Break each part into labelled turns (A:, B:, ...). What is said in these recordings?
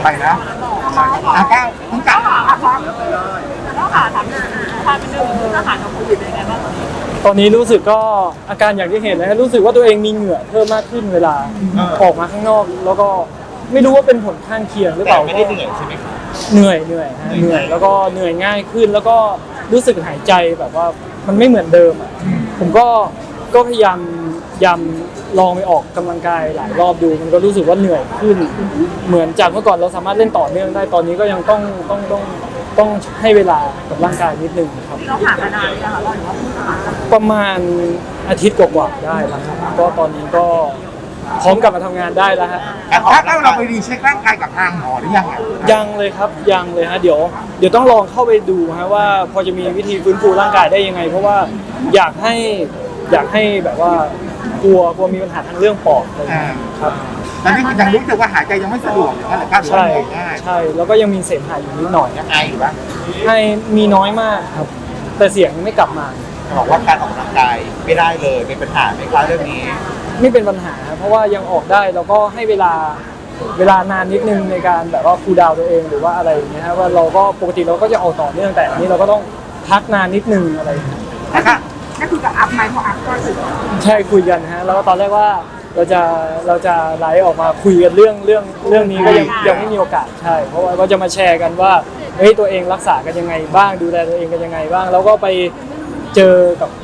A: ไปนะก้าวต้องกลับ
B: แล้วค่ะถามความเป็นเรื่องอาหารของโควิดเป็นยังไงบ้าง
C: ตอนนี้รู้สึกก็อาการอย่างที่เห็นนะรู้สึกว่าตัวเองมีเหงื่อเพิ่มมากขึ้นเวลาออกมาข้างนอกแล้วก็ไม่รู้ว่าเป็นผลข้างเคียงหรือเปล่า
A: ไม่ได้เหนื่อยใช่ไหม
C: เหนื่อยฮะเหนื่อยแล้วก็เหนื่อยง่ายขึ้นแล้วก็รู้สึกหายใจแบบว่ามันไม่เหมือนเดิมอ่ะผมก็พยายามลองไปออกกำลังกายหลายรอบดูมันก็รู้สึกว่าเหนื่อยขึ้นเหมือนจากเมื่อก่อนเราสามารถเล่นต่อเนื่องได้ตอนนี้ก็ยังต้องให้เวลากับร่างกายนิดนึงครับ
B: เราผ่านมานานเลยค่ะเราถือว่า
C: ประมาณอาทิตย์กว่าๆได้แล้วครับก็ตอนนี้ก็พร้อมกลับมาทำงานได้แล้วฮะ
A: ถ้าเราไปรีเช็คร่างกายกับทางหมอหรือยัง
C: ยังเลยครับยังเลยฮะเดี๋ยวต้องลองเข้าไปดูฮะว่าพอจะมีวิธีฟื้นฟูร่างกายได้ยังไงเพราะว่าอยากให้แบบว่ากลัวมีปัญหาทางเรื่องปอดอะไรครับ
A: ตอนนี้ยังรู้สึกว่าหายใจยังไม่สะดวกอย่างนั้นแหละครับ
C: ใช่แล้วก็ยังมีเสมหะอยู่นิดหน่อย
A: ยังไออยู่บ้าง
C: ไอมีน้อยมากครับแต่เสียงยังไม่กลับมา
A: บอกว่าการออกกำลังกายไม่ได้เลยเป็นปัญหาไหมครับเรื่องนี้
C: ไม่เป็นปัญหาเพราะว่ายังออกได้แล้วก็ให้เวลานานนิดนึงในการแบบว่าคูลดาวน์ตัวเองหรือว่าอะไรอย่างเงี้ยครับว่าเราก็ปกติเราก็จะออกต่อเนื่องแต่อันนี้เราก็ต้องพักนานนิดนึงอะไรอย่างเงี้ย
B: นั่นคือกับอัพไหมเพราะอัพก็ถือ
C: ใช่คุยกันฮะแล้วก็ตอนแรกว่าเราจะไลฟ์ออกมาคุยกันเรื่องนี้ก็ยังไม่มีโอกาสใช่เพราะว่าก็จะมาแชร์กันว่าเฮ้ยตัวเองรักษากันยังไงบ้างดูแลตัวเองกันยังไงบ้างแล้วก็ไปเจอ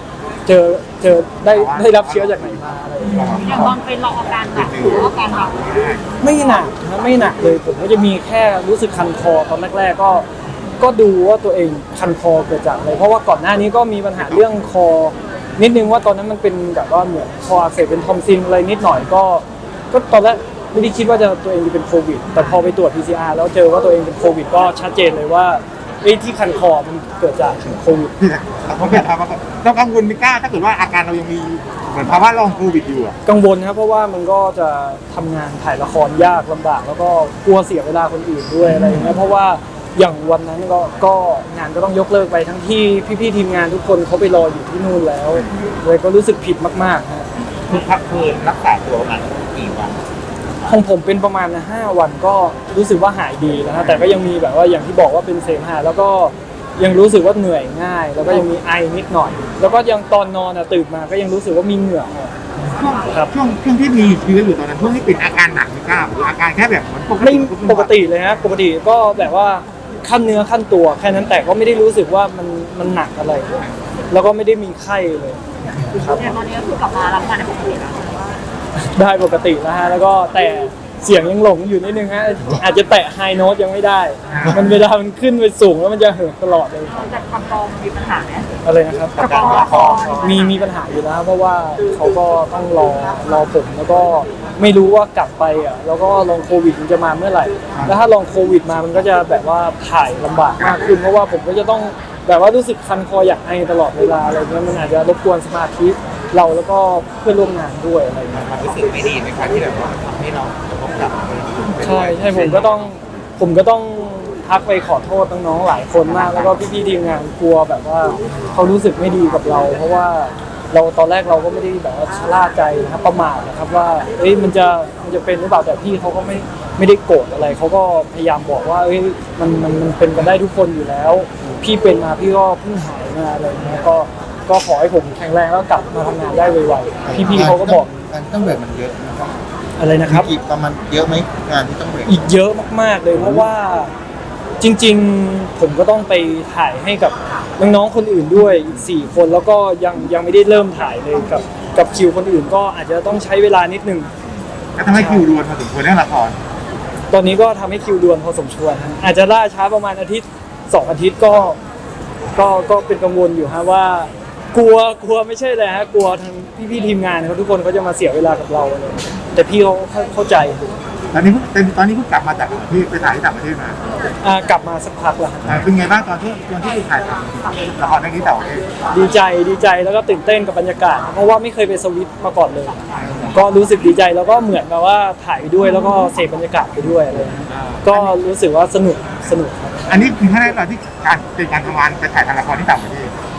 C: ได้รับเชื้อจากไหนมาอะไรอย่างเงี้ย
B: อย่างตอนเป็นเราอาการหนักหรืออาการหนัก
C: ไม่หนักนะไม่หนักเลยผมก็จะมีแค่รู้สึกคันคอตอนแรกๆก็ดูว่าตัวเองคันคอเกิดจากอะไรเพราะว่าก่อนหน้านี้ก็มีปัญหาเรื่องคอนิดนึงว่าตอนนั้นมันเป็นแบบว่าเหมือนคออักเสบเป็นทอมซินอะไรนิดหน่อยก็ตอนแรกไม่ได้คิดว่าตัวเองจะเป็นโควิดแต่พอไปตรวจ PCR แล้วเจอว่าตัวเองเป็นโควิดก็ชัดเจนเลยว่าที่คันคอมันเกิดจากโควิด
A: เขาเป็นภาวะเรากังวลไม่กล้าถ้าเกิดว่าอาการเรายังมีเหมือนภาวะลองโควิดอยู่
C: กังวลครับเพราะว่ามันก็จะทำงานถ่ายละครยากลำบากแล้วก็กลัวเสียเวลาคนอื่นด้วยอะไรอย่างเงี้ยเพราะว่าอย่างวันนั้นก็งานก็ต้องยกเลิกไปทั้งที่พี่ๆทีมงานทุกคนเขาไปรออยู่ที่นู่นแล้วเลยก็รู้สึกผิดมากๆฮะ
A: คุณพักคืนรักษาตัวประมาณกี่วัน
C: ของผมเป็นประมาณ5 วันก็รู้สึกว่าหายดีแล้วนะแต่ก็ยังมีแบบว่าอย่างที่บอกว่าเป็นเสมหะแล้วก็ยังรู้สึกว่าเหนื่อยง่ายแล้วก็ยังมีไอนิดหน่อยแล้วก็ยังตอนนอนตื่นมาก็ยังรู้สึกว่ามีเหงื่อ
A: ครับช่วงที่มีเชื้ออยู่ตอนนั้นช่วงที่เป็นอาการหนักไม่กล้าหรืออาการแค่แบบเหมือน
C: ปกติเลยฮะปกติก็แบบว่าขั้นเนื้อขั้นตัวแค่นั้นแต่ก็ไม่ได้รู้สึกว่ามันหนักอะไรแล้วก็ไม่ได้มีไข้เลย
B: ครับตอนนี้ก็คือกลับมารับงานได้ปกติแล้ว
C: ได้ปกติแล้วฮะแล้วก็แต่เสียงยังหลงอยู่นิดนึงฮะอาจจะแตะไฮโน้ตยังไม่ได้มันเวลามันขึ้นไปสูงแล้วมันจะเหินตลอดเลย
B: จากคำกองมีปัญหาไหม
C: อะไรนะครับมีปัญหาอยู่แล้วเพราะว่าเขาก็ต้องรอผมแล้วก็ไม่รู้ว่ากลับไปแล้วก็ลองโควิดมันจะมาเมื่อไหร่แล้วถ้าลองโควิดมามันก็จะแบบว่าถ่ายลำบากมากขึ้นเพราะว่าผมก็จะต้องแบบว่ารู้สึกคันคออยากไอตลอดเวลาอะไรเงี้ยมันอาจจะรบกวนสมาธิเราแล้วก็เพื่อนร่วมงานด้วยอะไรเงี้ย
A: รู้สึกไม่ดีไหมครับที่แบบว่าให้เราต้องกลับ
C: ใช่ผมก็ต้องทักไปขอโทษน้องๆหลายคนมากแล้วก็พี่ๆทีมงานกลัวแบบว่าเขารู้สึกไม่ดีกับเราเพราะว่าเราตอนแรกเราก็ไม่ได้แบบว่าชะล่าใจนะครับประมาทนะครับว่ามันจะเป็นหรือเปล่าแต่พี่เขาก็ไม่ได้โกรธอะไรเขาก็พยายามบอกว่ามันเป็นกันได้ทุกคนอยู่แล้วพี่เป็นมาพี่ก็เพิ่งหายมาอะไรเงี้ยก็ขอให้ผมแข็งแรงแล้วกลับมาทำงานได้ไวๆพี่ๆเขาก็บอก
A: ต้องเบรกมันเยอะนะครับ
C: อะไรนะครับ
A: อีกประมาณเยอะไหมงานที่ต้องเบรก
C: อีกเยอะมากๆเลยเพราะว่าจริงๆผมก็ต้องไปถ่ายให้กับน้องๆคนอื่นด้วยอีก4 คนแล้วก็ยังไม่ได้เริ่มถ่ายเลยกับคิวคนอื่นก็อาจจะต้องใช้เวลานิดนึง
A: ก็ทำให้คิวด่วนพอสมควรเรื่องละคร
C: ตอนนี้ก็ทำให้คิวด่วนพอสมควรอาจจะล่าช้าประมาณอาทิตย์2 อาทิตย์ก็เป็นกังวลอยู่ฮะว่ากลัวไม่ใช่เลยฮะกลัวทางพี่ๆทีมงานเขาทุกคนเขาจะมาเสียเวลากับเราเลยแต่พี่เขาเข้าใจ
A: ตอนนี้เพิ่งกลับมาจากที่ไปถ่ายที่ต่างประเทศม
C: ากลับมาสักพักแล้ว
A: เป็นไงบ้างตอนที่ถ่ายทำละครเรื่องนี้ต่อ
C: ดีใจแล้วก็ตื่นเต้นกับบรรยากาศเพราะว่าไม่เคยไปสวิตมาก่อนเลยก็รู้สึกดีใจแล้วก็เหมือนกับว่าถ่ายไปด้วยแล้วก็เสพบรรยากาศไปด้วยอะไรก็รู้สึกว่าสนุกครับ
A: อันนี้คือครั้งแรกตอนที่เป็นการทำงานไปถ่ายทำละครที่ต่างประเทศ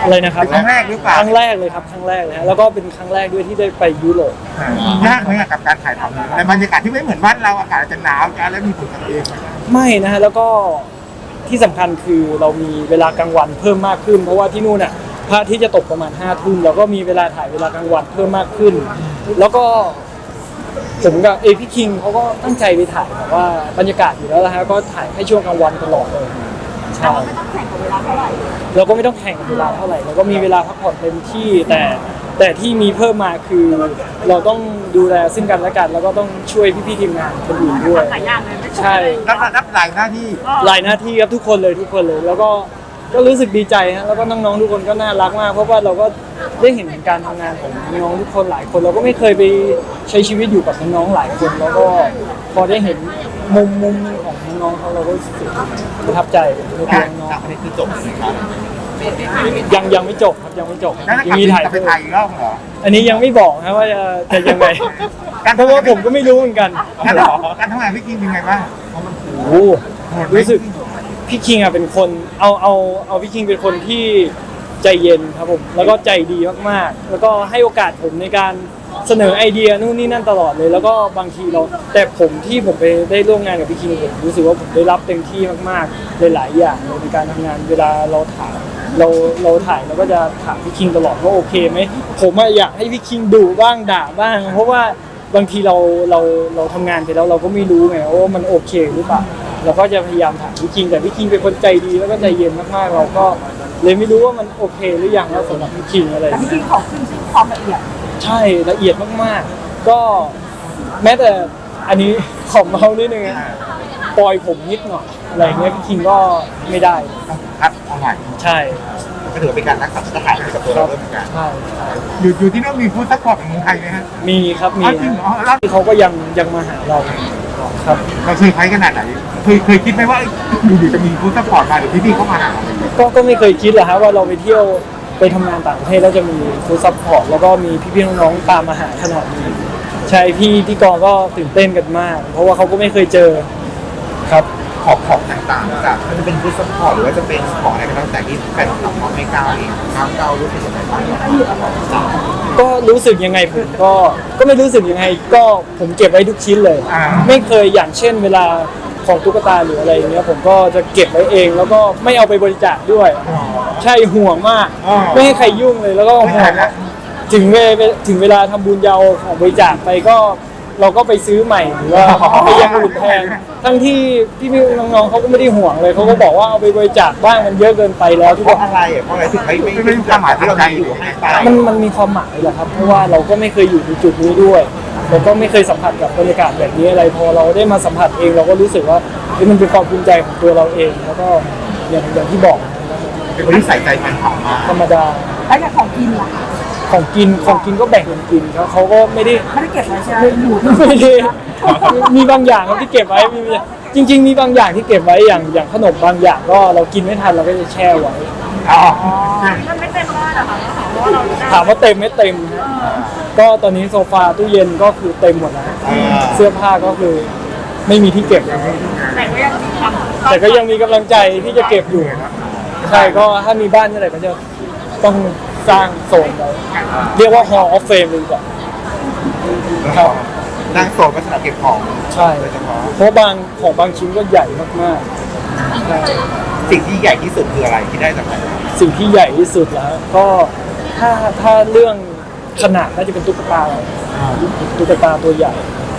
C: อะไรนะครับ
A: เป็นครั้งแรกหรือเปล่า
C: ครั้งแรกเลยครับครั้งแรกเลยฮะแล้วก็เป็นครั้งแรกด้วยที่ได้ไปยุโรป
A: ยากไหมอะกับการถ่ายทำในบรรยากาศที่ไม่เหมือนบ้านเราอากาศอาจจะหนาวจะแล้วมีผลกับตัวเองไหม
C: ไม่นะฮะแล้วก็ที่สำคัญคือเรามีเวลากลางวันเพิ่มมากขึ้น เพราะว่าที่นู่นน่ะพระอาที่จะตกประมาณ5 ทุ่มเราก็มีเวลาถ่ายเวลากลางวันเพิ่มมากขึ้น แล้วก็ผมกับพี่คิงเขาก็ตั้งใจไปถ่ายแบบว่าบรรยากาศอยู่แล้วนะฮะก็ถ่ายให้ช่วงกลางวันตลอดเลยใช่
B: ไม่ต้องแข่งกับเวลาเท่าไหร่
C: เราก็ไม่ต้องแข่งกับเวลาเท่าไหร่เราก็มีเวลาพักผ่อนเต็มที่แต่ที่มีเพิ่มมาคือเราต้องดูแลซึ่งกันและกัน แล้วก็ต้องช่วยพี่ๆทีมงานคนอื่นด้วย
B: หลายอย่างเลยไม่
C: ใช่
A: รับหลายหน้าที่
C: หลายหน้าที่ครับทุกคนเลยแล้วก็รู้สึกดีใจฮะแล้วก็น้องๆทุกคนก็น่ารักมากเพราะว่าเราก็ได้เห็นการทำงานของน้องๆทุกคนหลายคนเราก็ไม่เคยไปใช้ชีวิตอยู่กับน้องๆหลายคนแล้วก็พอได้เห็นมุมนึงของน้องๆเขาเราก็รู้สึกประทับใจในตัวน้อง
A: อันนี้คือจบเลยครับ
C: ๆยังไม่จบครับยังไม่จบ
A: แล้ว
C: ยังมีถ่าย
A: กลับไปถ่ายอีกรอบเหรอ
C: อันนี้ยังไม่บอกนะว่าจะยังไงเพราะว่าผมก็ไม่รู้เหมือนกัน
A: การทำงานพี่กินเป็นไงบ้าง
C: โอ้โหรู้สึกพี่คิงอ่ะเป็นคนเอาพี่คิงเป็นคนที่ใจเย็นครับผมแล้วก็ใจดีมากๆแล้วก็ให้โอกาสผมในการเสนอไอเดียนู่นนี่นั่นตลอดเลย แล้วก็บางทีแต่ผมไปได้ร่วมงานกับพี่คิงผมรู้สึกว่าผมได้รับเต็มที่มากๆหลายๆอย่างเลยในการทำงานเวลาเราถ่ายเราถ่ายเราก็จะถามพี่คิงตลอดว่าโอเคไหมผมอยากให้พี่คิงดุบ้างด่าบ้าง เพราะว่าบางทีเราทำงานไปแล้วเราก็ไม่รู้ไงว่ามันโอเคหรือเปล่าเราก็จะพยายามถามพี่คิงแต่พี่คิงเป็นคนใจดีแล้วก็ใจเย็นมากๆเราก็เลยไม่รู้ว่ามันโอเคหรือยังแล้วสำหรับพี่คิงอะไร
B: แต่พี่กินของขึ้นชื่อความละเอียด
C: ใช่ละเอียดมากๆ ก็แม้แต่อันนี้ขอเมานิดนึงอะปล่อยผมนิดหน่อยอะไรเงี้ยพี่คิงก็ไม่ได้
A: ครับเอาใหม่
C: ใช่
A: ก็ถือเป็นการรักษามาตรฐานให้กับตัวเราด้วยเหมือนกัน
C: ใช่
A: อยู่ที่นั่นมีฟู้ดซัพพอร์ตของเมืองไทยไหมฮะ
C: มีครับมี
A: จริงเหรอแล้ว
C: เขาก็ยังมาหาเราครับ
A: เราเซอร์ไพรส์ขนาดไหนเคยคิดไหมว่าอยู่ๆจะมีฟู้ดซัพพอร์ตมาหรือพี่ๆเข้ามาหาเรา
C: ก็ไม่เคยคิดหรอกฮะว่าเราไปเที่ยวไปทำงานต่างประเทศแล้วจะมีฟู้ดซัพพอร์ตแล้วก็มีพี่ๆน้องๆตามมาหาขนาดนี้ใช่พี่ที่กองก็ตื่นเต้นกันมาก เพราะว่าเขาก็ไม่เคยเจอครับ
A: ของต่างๆจากมันจะเป็นฟู้ดซัพพอร์ตหรือว่าจะเป็นของอะไรก็แล้วแต่ที่แฟนคลับเขาไม่กล้าเองก้าวรู้สึกยังไงบ้าง
C: ก็รู้สึกยังไงผมก็ไม่รู้สึกยังไงก็ผมเก็บไว้ทุกชิ้นเลย ไม่เคยอย่างเช่นเวลาของตุ๊กตาหรืออะไรอย่างเงี้ยผมก็จะเก็บไว้เองแล้วก็ไม่เอาไปบริจาคด้วย ใช่ห่วงมาก ไม่ให้ใครยุ่งเลยแล้วก็ห่วงถึงเวลาทำบุญยาวของบริจาคไปก็เราก็ไปซื้อใหม่หรือว่าไปยังอื่นแทนทั้งที่พี่น้องๆเขาก็ไม่ได้ห่วงเลยเขาก็บอกว่าเอาไปบริจาคบ้างมันเยอะเกินไปแล้วทุก
A: เพ
C: ค
A: ราะ
C: น
A: อะไรเพราะอะไรถึงไม่มีความหมายที่เรามีอยู่ให้ไป
C: มันมีความหมายแหละครับเพราะว่าเราก็ไม่เคยอยู่ในจุดนี้ด้วยเราก็ไม่เคยสัมผัสกับบรรยากาศแบบนี้อะไรพอเราได้มาสัมผัสเองเราก็รู้สึกว่ามันเป็นความภูมิใจของตัวเราเองแล้วก็อย่างที่บอก
A: เป็นคนที่ใส่ใจแฟนคลับมาก
C: ธรรมดา
B: แล้วอย่างของกินล่ะ
C: ของกินก็แบ่งกันกินเขาก็ไม่ได้
B: ไม่ได้เก็บไว้ใช่ไหมอยู่
C: ไม่ได้มีบางอย่างครับที่เก็บไว้จริง ๆ มีบางอย่างที่เก็บไว้อย่างขนมบางอย่างก็เรากินไม่ทันเราก็จะแช่ไว้
A: อ๋อ
B: มันไม่เต็มบ้านเหรอคะเพราะว่าเราได้
C: ถามว่าเต็มไม่เต็มฮะก็ตอนนี้โซฟาตู้เย็นก็คือเต็มหมดแล้วเสื้อผ้าก็คือไม่มีที่เก็บ
B: แต่ก็ยังทำ
C: แต่ก็ยังมีกำลังใจที่จะเก็บอยู่ใช่ก็ถ้ามีบ้านเมื่อไหร่ก็จะต้องสร้างโซนไว้เรียกว่า Hall of Fame เลยดีกว่าครับ
A: นั่งโซนก็สำหรับเก็บของ
C: ใช่
A: โดยเฉพาะ
C: เพราะบางชิ้นก็ใหญ่มากๆใช่
A: สิ่งที่ใหญ่ที่สุดคืออะไรที่ได้จากไหน
C: สิ่งที่ใหญ่ที่สุดแล้วก็ถ้าเรื่องขนาดน่าจะเป็นตุ๊กตาตัวใหญ่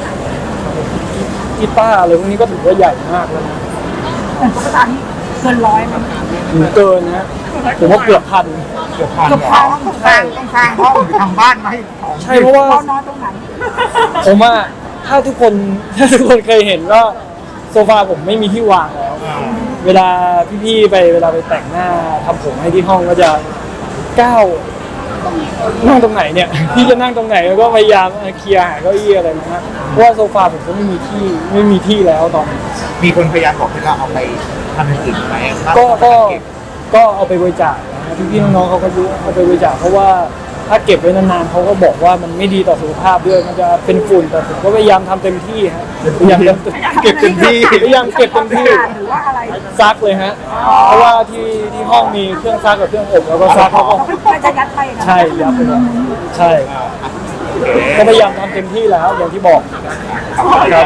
C: กีตาร์อะไรพวกนี้ก็ถือว่าใหญ่มากแล้วนะ
B: แต่ตุ๊กตานี่เกินร้อยไหม
C: เกินนะผมว่าเกือบพัน
A: เกือบพันต้องสร้างห้องหรือทำบ้านมาให้ของ
C: ใช่เพราะว่า
B: เรานอนตรงไหน
C: ผมว่าถ้าทุกคนเคยเห็นก็โซฟาผมไม่มีที่วางแล้ว เวลาพี่ๆเวลาไปแต่งหน้าทำผมให้ที่ห้องก็จะก้าวนั่งตรงไหนเนี่ย พี่จะนั่งตรงไหนแล้วก็พยายามเคลียร์หาเก้าอี้อะไรนะฮะเพราะว่าโซฟาผมก็ไม่มีที่แล้วตอนนี้
A: มีคนพยายามบอกให้เราเอาไปทำอย่างอื่นไหม
C: ก็เอาไปบริจาคนะพี่ๆน้องๆเขาก็รู้เอาไปบริจาคเพราะว่าถ้าเก็บไว้นานๆเขาก็บอกว่ามันไม่ดีต่อสุขภาพด้วยมันจะเป็นฝุ่นแต่ผมก็พยายามทำเต็มที่ฮะพยายามเก็บเต็มที่พยายามเก็บเต็มที่
B: หรือว่าอะไร
C: ซักเลยฮะเพราะว่าที่ห้องมีเครื่องซักกับเครื่องอบแล้วก็ซักเขาก็
B: มันจะยัดไปนะ
C: ใช่ยับไปเลยใช่ก็พยายามทำเต็มที่แล้วอย่างที่บอกครับ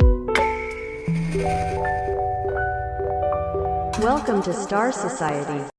D: Welcome to Star Society.